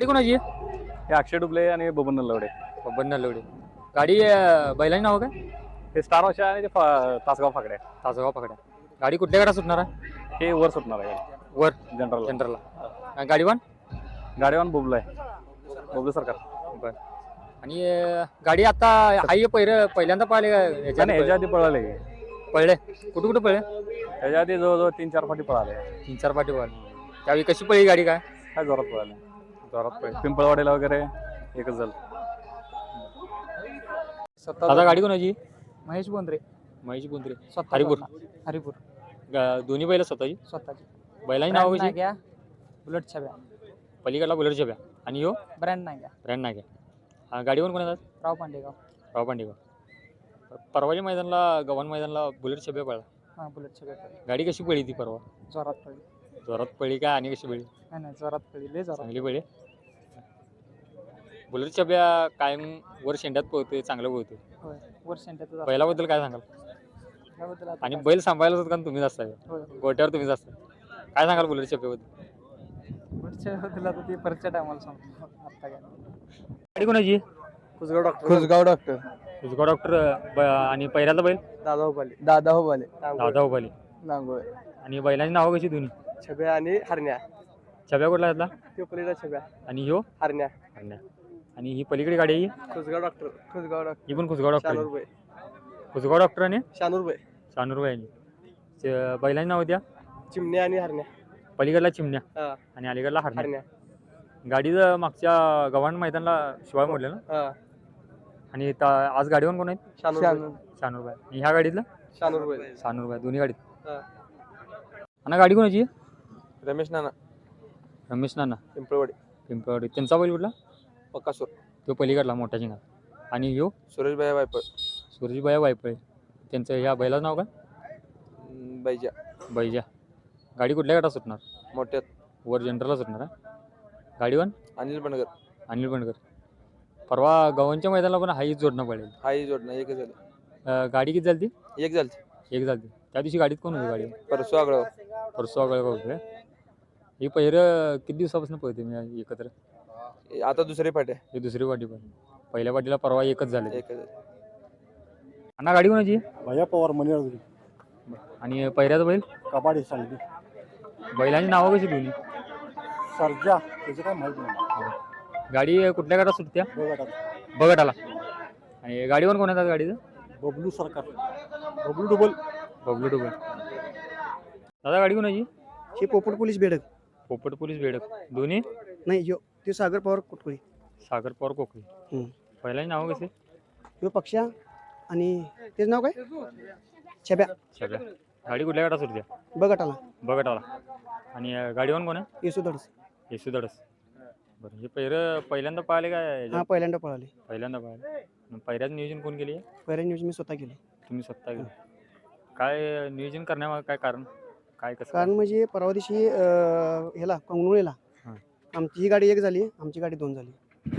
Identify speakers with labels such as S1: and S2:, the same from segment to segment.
S1: गाडी कोणाची आहे?
S2: हे अक्षय डुबले आणि बबन नलवडे.
S1: बबन नलवडे. गाडी बैलांची नाव काय?
S2: हे स्टार वर्षा आणि ते तासगाव फाकड्या.
S1: तासगाव पकड्या. गाडी कुठल्या गाडा सुटणार आहे?
S2: हे वर सुटणार आहे
S1: वर
S2: जनरल.
S1: जनरलला. गाडी वन
S2: गाडीवान बुबला आहे, बुबले सरकार.
S1: बर. आणि गाडी आता हाय पहिल्यांदा पाहिले
S2: ह्याच्या आधी पळाले,
S1: पळले कुठे कुठे पळले?
S2: ह्याच्या आधी जवळजवळ 3-4 फाटी पळाले.
S1: 3-4 पाठी पळले. त्यावेळी कशी पळली गाडी? काय
S2: जोरात पळाले.
S1: जोरात पळली.
S2: पिंपळवाडीला वगैरे एकच झालं.
S1: आता गाडी कोणाची?
S3: महेश बोंद्रे.
S1: महेश बोंद्रे.
S3: स्वतः
S1: हरिपूर.
S3: हरिपूर
S1: दोन्ही बैल स्वतःची.
S3: स्वतःची.
S1: बैलांची नाव कशी?
S3: घ्या बुलेट छब्या.
S1: पलीकडला बुलेट छब्या. आणि यो
S3: ब्रँड नाही घ्या
S1: ब्रँड नाही घ्या. गाडीवर कोण येतात?
S3: राव पांडेगाव.
S1: राव पांडेगाव. परवाच्या मैदानला गव्हाण मैदानला बुलेट छब्या पळला.
S3: हां बुलेट छब्या.
S1: गाडी कशी पळली ती परवा?
S3: जोरात पडली.
S1: जोरात पळली काय आणि कशी पळली?
S3: नाही जोरात पडली, लय जोरात.
S1: चांगली पळली. बुलेट छब्या कायम वर शेंड्यात पोहतोय, चांगलं पोहतोय.
S3: होय वर सेंटरचं
S1: बैलाबद्दल काय सांगाल?
S3: त्याबद्दल
S1: आणि बैल सांभाळायला सुद्धा तुम्हीच असताय, गोट्यावर तुम्हीच असताय. काय सांगाल बुलेट छब्याबद्दल?
S3: पुढच्या आता ती परच्या टायमाला सांगतो. आता काय
S1: गाडी कोणाची?
S3: कुसगाव डॉक्टर.
S1: कुसगाव डॉक्टर. आणि पहिल्याचा बैल
S3: दादा उभाले. दादा उभाले.
S1: दादा उभाली.
S3: नांगोळे.
S1: आणि बैलांची नावं कशी दोन्ही?
S3: छब्या आणि हरण्या.
S1: छब्या कुठला घेतला?
S3: तो पलीकडे छब्या
S1: आणि ह्यो
S3: हरण्या.
S1: हरण्या. आणि ही पलीकडे गाडी आहे ही?
S3: कुसगाव डॉक्टर. कुसगाव डॉक्टर.
S1: ही पण कुसगाव डॉक्टर.
S3: शानूरबाई.
S1: कुसगाव डॉक्टर आणि
S3: शानूरबाई.
S1: शानूरबाई. बैलांची नाव द्या.
S3: चिमण्या आणि हरण्या.
S1: पलीकडला चिमण्या
S3: हा
S1: आणि अलीकडला हरण्या.
S3: हरण्या.
S1: गाडीचं मागच्या गव्हाण मैदानला शिवाय मोडलं ना?
S3: हा
S1: आणि आज गाडीवर कोण आहेत?
S3: शानूरबाई.
S1: शानूरबाई. आणि ह्या गाडीतलं?
S3: शानूरबाई.
S1: शानूरबाई. दोन्ही गाडीत.
S3: हा
S1: आणि गाडी कोणाची आहे?
S3: रमेश नाना.
S1: रमेश नाना.
S3: पिंपळवाडी.
S1: पिंपळवाडी. त्यांचा बैल कुठला?
S3: पक्कासूर.
S1: तो पलीकडला मोठा शिंगा. आणि ह्यो
S3: सुरेशबाई वायपर.
S1: सुरेशबाई वायपळे. त्यांचं ह्या बैलाचं नाव काय?
S3: बैजा.
S1: बैजा. गाडी कुठल्या गाडा सुटणार?
S3: मोठ्यात.
S1: वर जनरलला सुटणार आहे. गाडीवर
S3: अनिल बनगर.
S1: अनिल बंडकर. परवा गव्हाणच्या मैदानाला पण हाईच जोडणं पडेल.
S3: हाही जोडणं एकच झालं.
S1: गाडी किती झाली?
S3: एक झालं.
S1: एक झाली. त्या दिवशी गाडीत कोण होती? गाडी
S3: परसू आगळं.
S1: परसू आगळ होते. ही पहिरं किती दिवसापासून पळते मी एकत्र?
S3: आता दुसरी फाटे.
S1: ही दुसरी पाठी पण. पहिल्या पाठीला परवा एकच झाले.
S3: एकच झालं.
S1: अण्णा गाडी कोणाची?
S4: भैया पवार मनी.
S1: आणि पहिऱ्याचं बैल?
S4: कबाडी सांगली.
S1: बैलांची नावं कशी दोन्ही?
S4: सर्जा त्याचं काय माहित नाही.
S1: गाडी कुठल्या गाडा सुटत्या? बगटाला. आणि गाडीवर कोण येतात गाडीचं?
S4: बबलू सरकार. बबलू डबल.
S1: बबलू डुबल. दादा गाडी कोणाची?
S5: हे पोपट पोलीस बेडक.
S1: पोपट पोलीस बेडक. दोन्ही?
S5: नाही यो ते सागर पवार कुटकुळी.
S1: सागर पवार कोकळी. पहिल्याची नाव कसे?
S5: यो पक्षा आणि तेच नाव काय? छब्या.
S1: सगळ्या. गाडी कुठल्या गाडा सुटत्या?
S5: बघटाला.
S1: बगटाला. आणि गाडीवर कोण आहे?
S5: येसू धडस.
S1: येसू धडस. बरं. हे पहिल्यांदा पाहिले काय?
S5: हा पहिल्यांदा पळाले.
S1: पहिल्यांदा पाहिले. पहिल्याचं नियोजन कोण केली?
S5: पहिल्या न्यूज मी स्वतः केली.
S1: तुम्ही स्वतः केलं. काय नियोजन करण्यामागे काय कारण? काय कसं?
S5: कारण म्हणजे परवा दिवशी ह्याला कंगनुळेला
S1: हां.
S5: आमची ही गाडी एक झाली, आमची गाडी 2 झाली.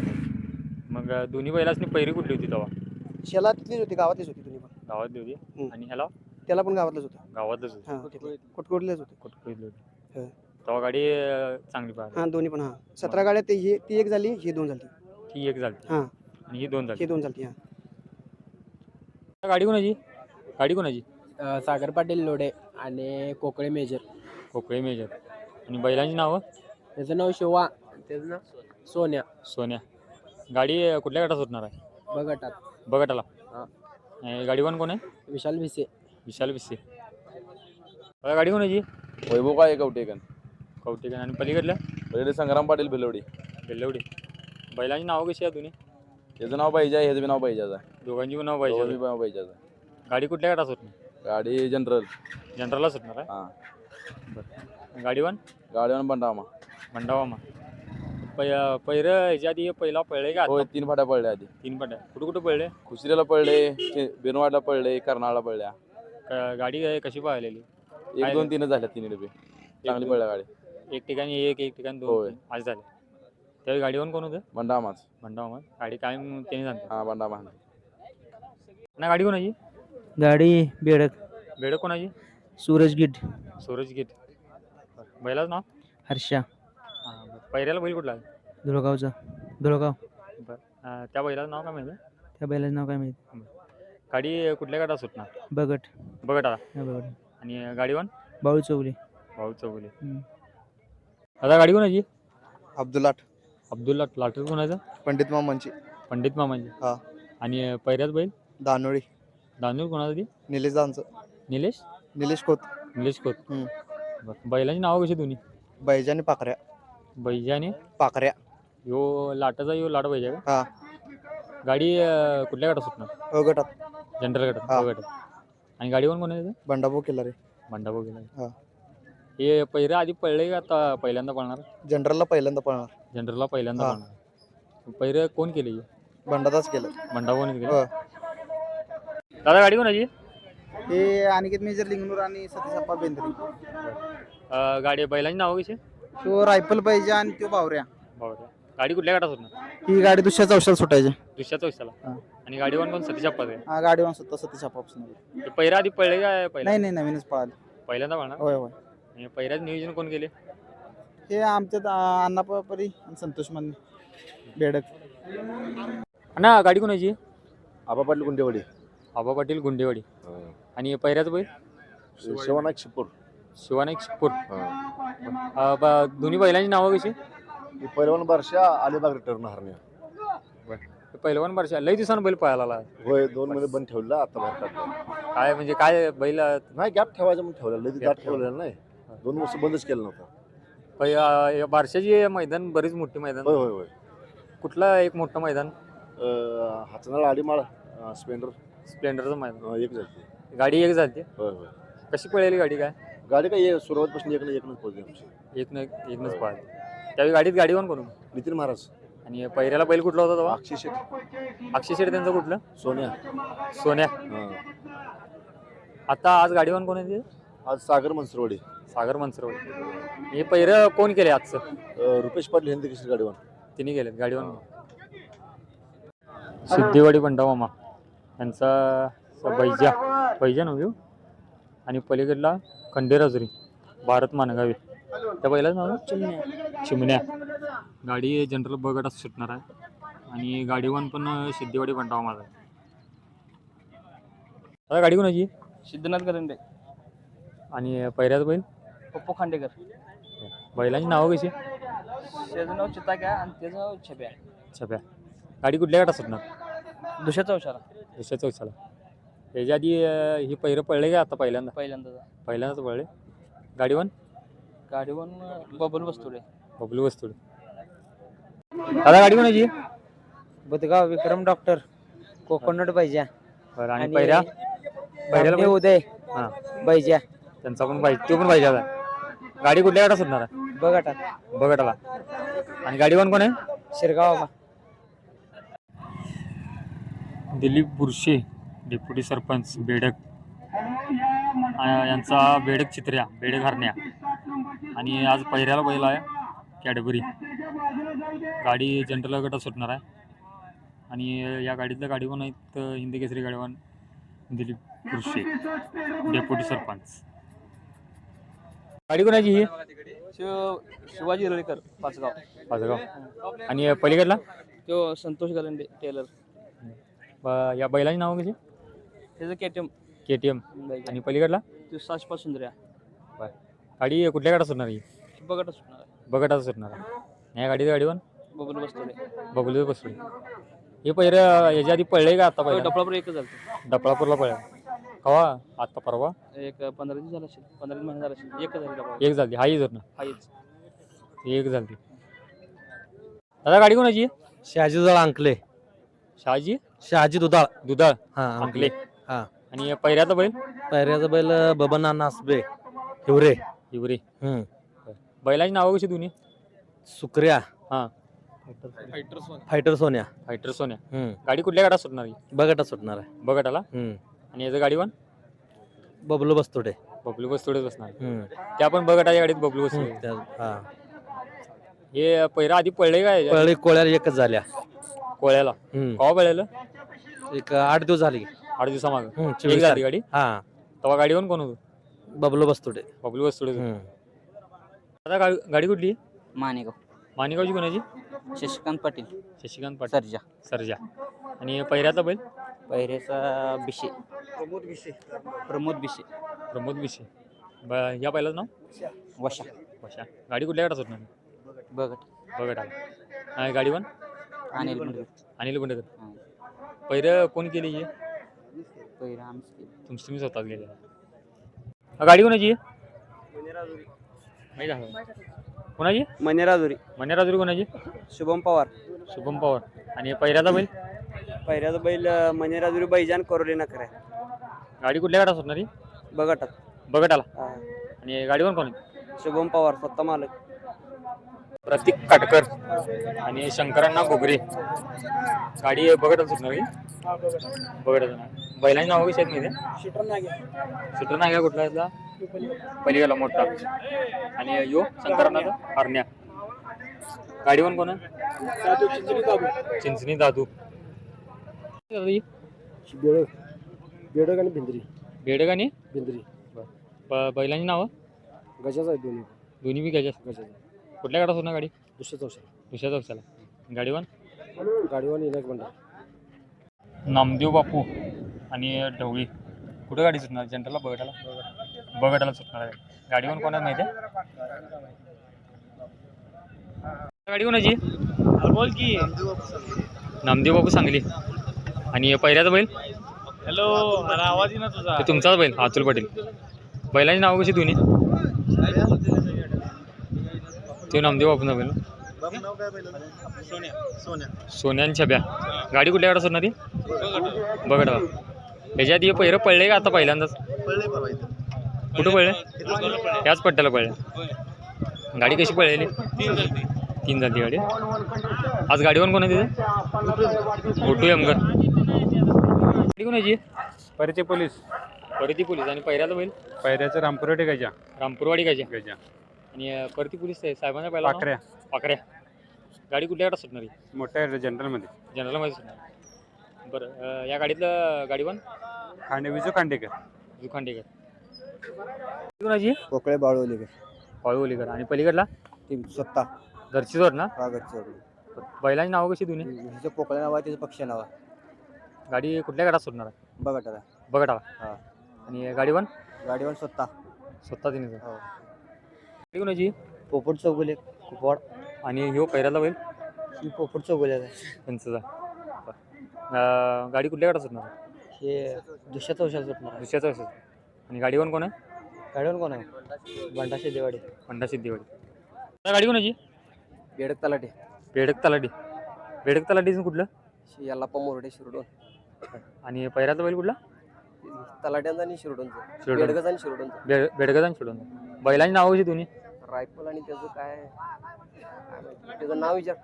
S1: मग दोन्ही बैलासनी पहिरी कुठली होती तेव्हा?
S5: शेला तिथलीच होती, गावातलीच होती दोन्ही पण.
S1: गावातली होती. आणि ह्याला
S5: त्याला पण गावातलंच होतं.
S1: गावातच होती.
S5: हां कुटकुळलेच होते.
S1: कुठली होती?
S5: हां.
S1: तेव्हा गाडी चांगली पाहिली.
S5: हां दोन्ही पण. हां 17 गाड्या ती एक झाली, ही 2 झाली.
S1: ही एक झाली.
S5: हां
S1: आणि ही 2 झाली.
S5: ही 2 झाली. हां
S1: गाडी कोणाची? गाडी कोणाची?
S6: सागर पाटील लोडे आणि कोकळे मेजर.
S1: कोकळे मेजर. आणि बैलांची नावं?
S6: त्याचं नाव शिवा. त्याचं नाव सोन्या.
S1: सोन्या. गाडी कुठल्या गाडा सुटणार आहे?
S6: बघटात.
S1: बगटाला.
S6: हां.
S1: गाडीवर कोण आहे?
S6: विशाल भिसे.
S1: विशाल भिसे. गाडी कोणाची?
S2: वैभव काय कवटेकन.
S1: कवटेकन. आणि पलीकडल्या?
S2: पलीकडे संग्राम पाटील भिलवडी.
S1: बेल्लवडी. बैलांची नावं कशी आहे दोन्ही?
S2: त्याचं नाव बैजा आहे, ह्याचं बी नाव बैजाचं आहे.
S1: दोघांची पण नाव पाहिजे.
S2: दोन्ही नाव बैजाचं आहे.
S1: गाडी कुठल्या गाडा सुटणार?
S2: गाडी जनरल.
S1: जनरलला सुटणार आहे.
S2: हां.
S1: बरं. गाडीवर?
S2: गाडीवर बनडामा.
S1: मंडावामा. पहिरं ह्याच्या आधी पहिला पळले का?
S2: होय 3 फाट्या पडल्या आधी.
S1: 3 पट्या. कुठं कुठं पळले?
S2: खुसरीला पडले, बिनवाडला पडले, कर्नाळला पडल्या.
S1: गाडी कशी पाहिलेली?
S2: 1, 2, 3 झाल्या. 3 डबे चांगली पडल्या गाडी.
S1: एक ठिकाणी एक ठिकाणी 2
S2: होय.
S1: आज झाले. त्यावेळी गाडीवर कोण होतं?
S2: बंडामाच.
S1: मंडावामा. गाडी काय त्याने सांगतो.
S2: हां बंडामा.
S1: ना गाडी कोणाची?
S5: गाडी बेडक.
S1: बेडक कोणाची?
S5: सूरज गिड.
S1: सूरज गीत. बैलाच नाव?
S5: हर्षा.
S1: हां. पहिऱ्याला बैल कुठला?
S6: धुळगावचा धुळगाव.
S1: त्या बैलाचं नाव काय माहिती
S6: त्या बैलाचं नाव काय माहिती.
S1: गाडी कुठल्या गटात सुटणार
S6: बगट.
S1: बघा
S6: हा बगट.
S1: आणि गाडीवान
S6: बाळू चौगले.
S1: भाऊ चौगुले. आता गाडी कोणाची
S2: अब्दुलाट
S1: अब्दुल्ला लाटर कोणाचा
S2: पंडित मामांची
S1: पंडित मामांची.
S2: हा.
S1: आणि पैऱ्याच बैल
S2: दानोळी
S1: दानूर कोणाचा ती
S2: निलेश दानचं
S1: निलेश
S2: खोत
S1: निलेश खोत.
S2: हम्म.
S1: बरं. बैलांची नावं कशी दोन्ही
S2: बैजानी पाखऱ्या
S1: बैजा आणि
S2: पाखऱ्या
S1: यो लाटाचा यो लाट बैजा का
S2: हा
S1: गाडी कुठल्या गटात सुटणार
S2: गटात
S1: जनरल गटात
S2: हा.
S1: गटात. आणि गाडीवर कोण आहे
S2: बंडाभाऊ केला रे
S1: भांडाभाऊ गेला.
S2: हा.
S1: हे पहिरा आधी पळले का आता पहिल्यांदा पळणार
S2: जनरलला पहिल्यांदा पळणार
S1: जनरलला पहिल्यांदा
S2: हा.
S1: पळणार. पहिरं कोण केले
S2: बंडादाच केलं
S1: भांडाभाऊने केलं.
S2: हो.
S1: दादा गाडी कोणाची
S3: हे अनिकेत मेजर लिंगनूर आणि सतीश बेंद्रे.
S1: गाडी बैलांची नावं कशी
S3: तो रायफल पाहिजे आणि तो बावऱ्या.
S1: बाबा गाडी कुठल्या गटात सुटणार
S3: ही गाडी दुसऱ्याच औषध सुटायची.
S1: दुसऱ्याच
S3: हा.
S1: वर्षाला. आणि गाडीवर पण सतीश अप्पा आहे.
S3: हा गाडी सुद्धा सतीश पासून.
S1: पहिरा आधी पळले काय पहिला
S3: नाही नाही नवीनच पळाली.
S1: पहिल्यांदा पळणार.
S3: होय होय.
S1: आणि पहिल्याच नियोजन कोण केले
S3: हे आमच्यात अण्णापरी आणि संतोष मान बेडक.
S1: ना गाडी कोणाची
S4: आबा पाटील गुंडेवाडी.
S1: आबा पाटील गुंडेवाडी. आणि पहिऱ्याच बैल
S4: शिवनाथ शिपूर.
S1: शिवानाईक शिपूर. दोन्ही बैलांची नावं कशी
S4: पहिलवान बारशा अलिबाग रिटर्न हरण्या.
S1: पहिलवान वर्ष लई दिवसानं बैल पळायला आला.
S4: होय 2 महिने बंद ठेवला आता बाहेर काढला.
S1: काय म्हणजे काय बैल
S4: नाही गॅप ठेवायचं म्हणून ठेवलं. लई गॅप ठेवलेलं नाही. 2 वर्ष बंदच केलं नव्हतं.
S1: बारशाची मैदान बरीच मोठी मैदान.
S4: होय होय होय.
S1: कुठलं एक मोठं मैदान
S4: हातनाळ आडीमाळ स्प्लेंडर
S1: स्प्लेंडरचं मैदान.
S4: एक झाली.
S1: गाडी एक झाली.
S4: होय होय.
S1: कशी पळाली गाडी काय
S4: गाडी काय सुरुवातपासून एकनंच पोहोचली आमची.
S1: एकनंच पळाली. त्यावेळी गाडीत गाडीवर कोण
S4: नितीन महाराज.
S1: आणि पहिऱ्याला बैल कुठला होता तेव्हा
S4: अक्षय शेठ.
S1: अक्षय शेठ त्यांचं कुठलं
S4: सोन्या.
S1: सोन्या. आता आज गाडीवर कोण आहे
S4: आज सागर मनसरवाडी.
S1: सागर मनसरवाडी. हे पहिरं कोण केले आजचं
S4: रुपेश पाटील हिंदी किशोर गाडीवर.
S1: तिने गेलेत गाडीवर. सिद्धेवाडी बंडा मामा यांचा बैजा नव्हे. आणि पलीकडला खंडेराजुरी भारत मानगावे त्या बैलाच नाव चिमण्या. गाडी जनरल बगटात सुटणार आहे. आणि गाडीवान पण सिद्धेवाडी बंडा मामा आहे. आता गाडी कोणाची
S3: सिद्धनाथ करंडे
S1: आणि पहिऱ्याच बैल
S3: पप्पू खांडेकर.
S1: बैलांची नावं कशी
S3: त्याचं नाव चिताक्या आणि त्याचं नाव छप्या.
S1: छप्या. गाडी कुठल्या गटात सुटणार
S3: दुसऱ्याचा औषध
S1: दुसऱ्याच वर्षाला. त्याच्या आधी ही पहिरं पळले का आता पहिल्यांदाच पळले. गाडीवान
S3: बबल वस्तुडे.
S1: बबलू वस्तुडे. आता गाडी कोणाची
S6: बुधगाव विक्रम डॉक्टर कोकोनट बैजा.
S1: बरं. आणि पहिऱ्याला बैल?
S6: उदय
S1: हां
S6: बैजा.
S1: त्यांचा पण पाहिजे तो पण पाहिजे. आता गाडी कुठल्या गटात सुटणार आहे
S6: बगटात
S1: बगटाला. आणि गाडीवान कोण आहे
S6: शिरगाव.
S1: दिलीप बुरशे डेप्युटी सरपंच बेडक यांचा बेडक चित्र्या बेडक हरण्या. आणि आज पहिऱ्याला बैल आहे कॅडबरी. गाडी जनरल गटात सुटणार आहे. आणि या गाडीतलं गाडीवान आहेत हिंदी केसरी गाडीवान दिलीप बुरशे डेप्युटी सरपंच. गाडी कोणाची ही
S3: शिवाजी रळीकर पाचगाव.
S1: आणि पलीकडला
S3: तो संतोष गलंडे टेलर.
S1: या बैलाची नावं कशी
S3: त्याचं केटीएम.
S1: KTM. आणि पलीकडला
S3: तो साशपा सुंदर्या.
S1: गाडी कुठल्या गटात सुटणार ही
S3: बगट सुटणार आहे.
S1: बगटात सुटणार आहे. या गाडीचं गाडीवान
S3: बबल वस्तुडे.
S1: बबलू बसले. हे पहिरं याच्या आधी पळले का आता पहिलं
S3: डपळापूर एकच झालं.
S1: डपळापूरला पळले कवा आता परवा
S3: एक 15 दिवस झाला असेल 15 महिने झाला असेल. एकच झाली डपळा.
S1: एक झाली हाही जर ना
S3: हाच
S1: एक झाली. दादा गाडी कोणाची
S6: शहाजी दुधाळ अंकले.
S1: शहाजी दुधाळ
S6: हा
S1: अंकले.
S6: हा.
S1: आणि पहिऱ्याचा बैल
S6: पैऱ्याचा बैल बबन नासबे हिवरे.
S1: हिवरे. बैलाची नावं कशी दोन्ही
S6: सुक्रिया.
S1: हा.
S6: फायटर सोन्या.
S1: फायटर सोन्या. गाडी कुठल्या गटात सुटणार
S6: बगटात सुटणार आहे
S1: बगटाला. आणि याचं गाडीवान
S6: बबलू बस्तोडे.
S1: बबलू बसतोडेच बसणार. त्या पण बगटाच्या गाडीत बबलू बसतोडे. हे पहिरा आधी पळले काय
S6: पळी कोळ्याला एकच झाल्या
S1: कोळ्याला. कवा पळलेलं
S6: एक 8 दिवस झाले.
S1: 8 दिवसामागं एक झाली गाडी.
S6: हा.
S1: तेव्हा गाडीवर कोण होतं
S6: बबलू बस्तोडे.
S1: बबलू बसतोडे. आता गाडी कुठली माणिगावची कोणाची?
S6: शशिकांत पाटील
S1: शशिकांत पाटील
S6: सर्जा
S1: सर्जा. आणि पहिऱ्याचा बैल
S6: पहिरेचा बिशे प्रमोद बिशे
S1: प्रमोद विषय. या बैलाचं नाव
S6: वशा
S1: वशा. गाडी कुठल्या गटात सुटणार?
S6: बघट
S1: बघा टाका. गाडी वन
S6: अनिल मुंडकर
S1: अनिल गुंडकर. पहिरं कोण केली ही?
S6: पहिरा आमचे
S1: तुम्ही स्वतःच गेले. गाडी कोणाची आहे? माहिती आहे कोणाची?
S6: मनेराजुरी
S1: मन्याराजुरी कोणाची?
S6: शुभम पवार
S1: शुभम पवार. आणि पहिऱ्याचा बैल
S6: पहिऱ्याचा बैल मनेराजुरी बैजान कोरोली नखरे
S1: गाडी कुठल्या गटात सुटणार ही?
S6: बघटात
S1: बघत आला. आणि गाडीवर कोण आहे?
S6: शुभम पवार स्वतः मालक
S1: प्रतीक काटकर आणि शंकरांना घोगरे. गाडी बघत सुटणार ही? बघत. बैलांची नाव कशी आहेत माहिती आहे? सुटर नाग्या कुठला यातला? पलीकडला मोठा. आणि यो शंकरांना हरण्या. गाडीवर कोण आहे? चिंचणी दादू.
S5: बेडक आणि भिंद्री
S1: बेडग आणि
S5: भिंद्री
S1: बैलांची नावं
S5: गजाच आहे दोन्ही
S1: दोन्ही बी घ्यायच्या.
S5: गजाचा
S1: कुठल्या गाडात होणार गाडी?
S5: दुसऱ्या चौशा
S1: दुसऱ्या चौशाला. गाडीवर
S5: गाडीवर इलाक म्हणतात.
S1: नामदेव बापू आणि ढवळी. कुठं गाडी सुटणार? जनरलला बगटाला बगटाला सुटणार आहे. गाडीवर कोणाला माहिती आहे? गाडी कोणाची?
S3: बोल की.
S1: नामदेव बापू सांगली. आणि पहिल्याचा बैल
S3: हॅलो, मला आवाज येईना तुझा.
S1: ते तुमचाच बैल अतुल पाटील. बैलांची नावं कशी दोन्ही? ते नामदेव बापूंचा बैल. सोन्या आणि छब्या. गाडी कुठल्या गाडा सुटणार ती? बघा त्याच्यात हे पहिरं पडले का आता पहिल्यांदाच? कुठं पडले? याच पट्ट्याला पडले. गाडी कशी पळलेली? 3 झाली गाडी. आज गाडीवर कोण आहे तिथे? गोटू यमगर. गाडी कोणाची?
S2: परिचय पोलीस
S1: परती पोलीस. आणि पहिल्याचा बैल
S2: पैऱ्याचं रामपुरटे गजा
S1: रामपूरवाडी गायच्या.
S2: गजा
S1: आणि परती पोलीस साहेबांचा पहिला नाव?
S2: पाखऱ्या
S1: पाखऱ्या. गाडी कुठल्या गाडात सुटणार?
S2: मोठ्या जनरलमध्ये
S1: जनरलमध्ये सुटणार. बरं, या गाडीतलं गाडीवन
S2: विजू खांडेकर
S1: जुखांडेकर. कोणाची?
S5: कोकळे बाळवलीकर
S1: पाळवलीकर. आणि पलीकडला
S5: ती स्वतः
S1: घरचीच ना?
S5: रागतची
S1: बैलांची नावं कशी दोन्ही?
S5: हिचं पोकळे नाव आहे, तिचं पक्ष नाव आहे.
S1: गाडी कुठल्या गाडात सुटणार आहे?
S5: बघा
S1: बघा.
S5: हा.
S1: आणि गाडीवन
S5: गाडीवर स्वतः
S1: स्वतः तिने.
S5: हो.
S1: गाडी कोणाची?
S5: पोपट चौगुले कुपवाड.
S1: आणि ह्यो पहिल्याला बैल
S5: ही पोपट चौगुले
S1: त्यांचं. गाडी कुठल्या गाडात सुटणार आहे?
S5: हे दुसऱ्या चौशाला सुटणार.
S1: दुसऱ्याचं असं. आणि गाडीवर कोण आहे?
S5: गाडीवर कोण आहे? बंडा शेदेवाडी.
S1: पंडा सिद्धीवाडी. गाडी कोणाची?
S5: बेडक तलाटे
S1: बेडक तलाठी. बेडक तलाठीचं कुठलं?
S5: याला मोरडे शिरडोन.
S1: आणि पहिल्याचा बैल कुठला?
S5: तलाट्यांचा आणि शिरडोनचं.
S1: शिरडोन.
S5: बेडगज आणि शिरडोनचं.
S1: बेडगज आणि सोडून. बैलांची नावं कशी दोन्ही?
S5: रायफल आणि त्याचं काय माहिती, त्याचं नाव विचार.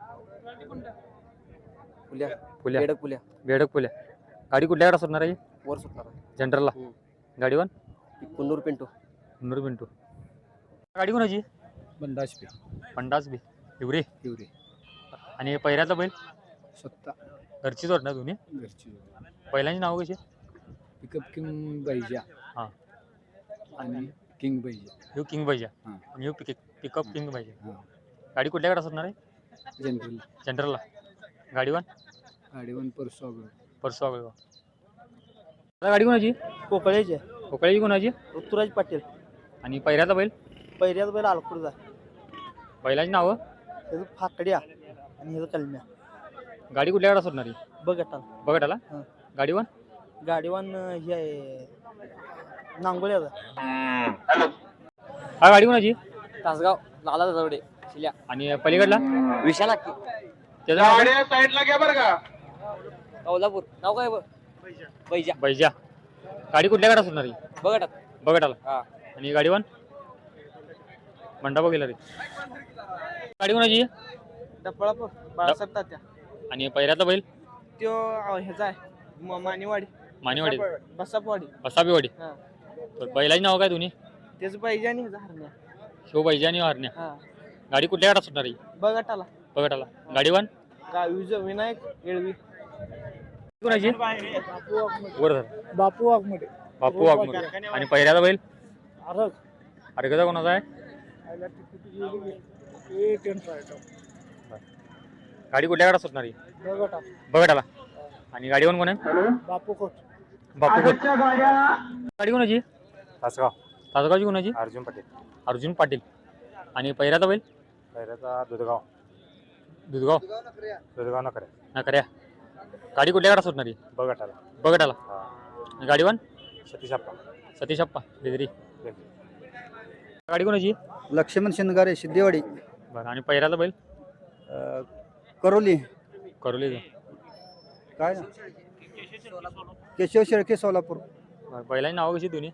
S5: पुल्या
S1: फुल्या.
S5: बेडक पुल्या
S1: बेडक फुल्या. गाडी कुठल्या गाडात सुटणार आहे?
S5: वर सुटणार.
S1: जनरलला. गाडीवर
S5: कुन्नूर पिंटू.
S1: नूर पिंटू. गाडी कोणाची?
S5: बंडाश
S1: पंडाच बी हिवरे.
S5: हिवरे.
S1: आणि पहिल्याचा बैल
S5: स्वतः
S1: घरचीच वाटणार दोन्ही.
S5: घरची.
S1: बैलांची नावं कशी?
S5: पिकअप किंग बैजा
S1: हां.
S5: आणि किंग बैजा.
S1: ह्यो किंग पाहिजे.
S5: हां.
S1: आणि ह्यो पिकअप किंग पाहिजे.
S5: हां.
S1: गाडी कुठल्या गाडात सुटणार आहे?
S5: जनरल.
S1: जनरलला. गाडीवर
S5: गाडीवर परसू
S1: परसू आगळ. गाडी कोणाची?
S3: कोकळेचे
S1: कोकळ्याची कोणाची?
S3: ऋतुराज पाटील.
S1: आणि पहिल्याचा बैल
S3: पहिल्याच बैल आलकुरचा.
S1: बैलाची नावं?
S3: त्याचं फाकड्या आणि ह्याचं कलम्या.
S1: गाडी कुठल्या गाडात सुटणार आहे?
S3: बघटाला.
S1: बघा त्याला.
S3: हां.
S1: गाडीवर
S3: गाडीवान हे आहे नांगोल्याचा.
S1: हा गाडी कोणाची?
S6: तासगाव लाला जवडे शिल्या
S1: आणि पलीकडला
S6: विशाला
S1: त्याचं नाव?
S6: कौलापूर नाव काय बैजा
S1: बैजा. गाडी कुठल्या गाडात सुटणार आहे?
S6: बघटात
S1: बघा त्याला.
S6: हा.
S1: आणि गाडीवर मंडपा गेला रे. गाडी कोणाची?
S3: डपळापूर बाळासाहेब तात्या.
S1: आणि पहिल्याचा बैल
S3: त्यो ह्याचा आहे मानेवाडी.
S1: मानेवाडी.
S3: बसापवाडी.
S1: बसाबीवाडी.
S3: हां.
S1: बैलाची नाव काय दोन्ही?
S3: त्याचं पाहिजे आणि ह्याचा हरण्या.
S1: शिव बैजा आणि हरण्या.
S3: हा.
S1: गाडी कुठल्या गाडात सुटणार आहे?
S3: बघटाला.
S1: बघा त्याला. गाडीवर
S3: विनायक येळवी.
S1: कोणाची? वर धर.
S3: बापू वाघमोडे.
S1: बापू वाघमोडे. आणि पहिल्याचा बैल
S3: अरग.
S1: अर्गजा कोणाचा आहे? गाडी कुठल्या गाडा सुटणार आहे बघटाला आणि गाडीवर कोण आहे
S5: बापू खोट
S1: बापू खोत. गाडी कोणाची
S7: तासगाव
S1: तासगावची कोणाची
S7: अर्जुन पटेल
S1: अर्जुन पाटील आणि पहिऱ्याचा बैल
S7: पहिल्याचा दुधगाव
S1: दुधगाव
S7: दुधगाव नकरे
S1: नकऱ्या गाडी कुठल्या गाडा सुटणार आहे
S7: बघटाला
S1: बघटाला गाडीवान
S7: सतीश अप्पा
S1: सतीश अप्पा बेदरी गाडी कोणाची
S5: लक्ष्मण शिंदगारे सिद्धेवाडी
S1: बरं आणि पहिऱ्याचा बैल
S5: करोली
S1: करोली
S5: काय ना केशव शेळके सोलापूर
S1: बैलांची नावं कशी दोन्ही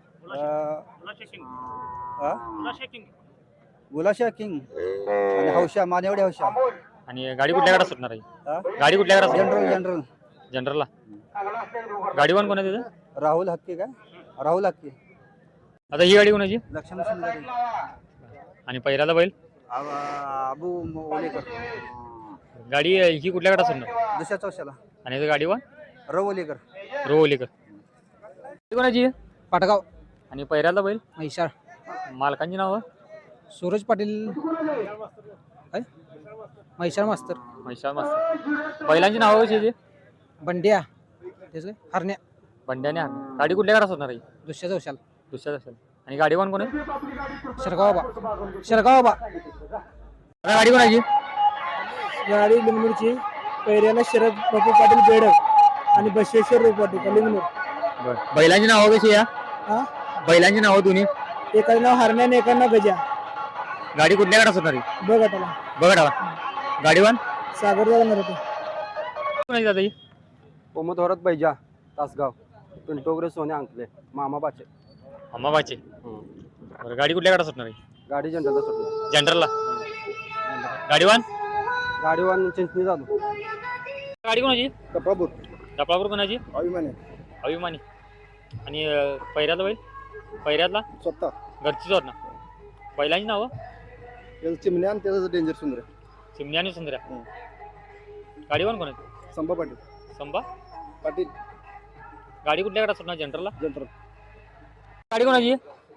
S5: गुलाशा किंग आणि हौशा मानेवडे हौशा
S1: आणि गाडी कुठल्या गाडा सुटणार आहे गाडी कुठल्या गाडा
S5: जनरल जनरल
S1: जनरलला गाडीवान कोण आहे तिथं
S5: राहुल हक्के काय राहुल हक्के
S1: आता ही गाडी कोणाची
S5: लक्ष्मण शिंदगारे
S1: आणि पहिऱ्याचा बैल
S5: अबू ओलेकर
S1: गाडी ही कुठल्या गाडा सुटणार
S5: दुसऱ्या चौशाला
S1: आणि इथं गाडीवान
S5: रवलेकर
S1: रोवलीकर कोणाची
S5: पाटगाव
S1: आणि पहिऱ्याचा बैल
S5: म्हैसाळ
S1: मालकांची नावं
S5: सूरज पाटील काय म्हैसाळ मास्तर
S1: म्हैसाळ मस्त बैलांची नावं कशी आहे
S5: बंड्या तेच काय हरण्या
S1: बंड्याने हाण गाडी कुठल्या गाडा सुटणार आहे
S5: दुसऱ्या चौशाला
S1: दुसऱ्याच असेल आणि गाडीवान कोण आहे
S5: शेरगाव बा
S1: आता गाडी कोणाची
S5: गाडी लिंगनूरची पैऱ्याला शरद बापू पाटील बेडक आणि बसवेश्वर रूप पाटील लिंगनूर
S1: बैलांची नावं कशी या
S5: हा
S1: बैलांची नावं दोन्ही
S5: एकाचं नाव हरण्या आणि एकाचं नाव गजा
S1: गाडी कुठल्या गाडा सुटणार आहे
S5: बघ आता
S1: बघा गाडीवान
S5: सागर जाणार होते
S1: कोणाची दादा ही
S6: पोमथोरात बैजा तासगाव पिंटोगरे सोने अंकले मामा बाचे
S1: अम्माबाची बरं गाडी कुठल्या गाडा सुटणार आहे
S6: गाडी जनरलला सुटली
S1: जनरलला गाडीवान
S6: गाडीवान चिंचणी जाधव
S1: गाडी कोणाची
S5: कपापूर
S1: डपळापूर कोणाची
S5: अभिमाने
S1: अभिमानी आणि पहिऱ्याचा बैल पहिऱ्यातला
S5: स्वतः
S1: घरची जोड ना बैलांची नावं
S5: चिमण्या आणि त्याचं डेंजर सुंदर
S1: चिमण्या आणि सुंदऱ्या गाडीवान कोणाची
S5: संभा पाटील
S1: संभा
S5: पाटील
S1: गाडी कुठल्या गाडा सुटणार जनरलला
S5: जनरल
S1: गाडी कोणाची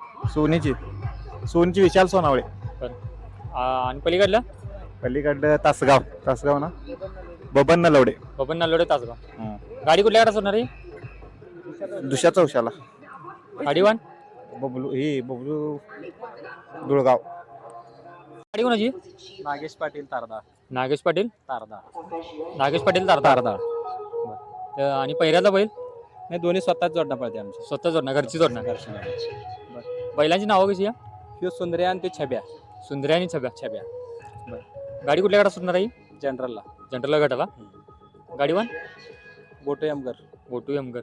S7: सोनीची विशाल सोनावळे
S1: आणि पलीकडलं
S7: पलीकडलं तासगाव ना बबन नलवडे
S1: बबन नालोडे तासगाव गाडी कुठल्या गाडा सुटणार आहे
S7: दुसऱ्या चौशाला
S1: गाडीवान
S7: बबलू दुळगाव
S1: गाडी कोणाची
S6: नागेश पाटील तारदा
S1: नागेश पाटील
S6: तारदा
S1: नागेश पाटील तारदार आणि पहिऱ्याचा बैल
S6: नाही दोन्ही स्वतःच जोडणं पडते आमची
S1: स्वतः जोडणार घरची जोडणार बैलांची नावं कशी आहे
S6: ह्यो सुंदर्या आणि ते छब्या
S1: सुंदऱ्या आणि छब्या
S6: छब्या
S1: गाडी कुठल्या गाडा सुटणार आहे
S6: जनरलला
S1: जनरल गटाला गाडीवान
S6: बोटो यमगर
S1: गोटू एमगर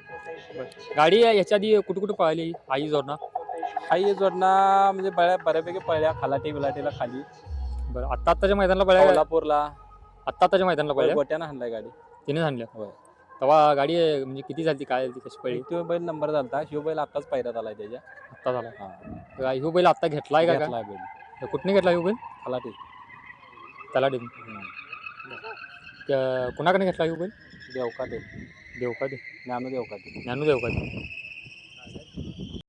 S1: गाडी याच्या आधी कुठे कुठे पळाली आई जोडणार
S6: हाही जोडणं म्हणजे बऱ्यापैकी पळल्या खालाटी बिलाटीला खाली
S1: बरं आत्ताच्या मैदानाला पळाल्या
S6: कोल्हापूरला
S1: आत्ताच्या मैदानाला पळाल्या
S6: गोट्यानं हाणलाय गाडी
S1: तिने आणल्या
S6: होय.
S1: तेव्हा गाडी म्हणजे किती झाली काय झाली कशी पळली
S6: तो बैल नंबर झालता ह्यो बैल आत्ताच पायऱ्यात आलाय त्याच्या
S1: आत्ता झाला ह्यो बैल आत्ता घेतलाय का
S6: घेतलाय बैल
S1: कुठने घेतला ह्यो बैल
S6: खालाटी
S1: त्याला कुणाकडे घेतला ह्यो बैल
S6: देवका ते
S1: देवका दे
S6: ज्ञानू देवका ते
S1: ज्ञानू देवका दे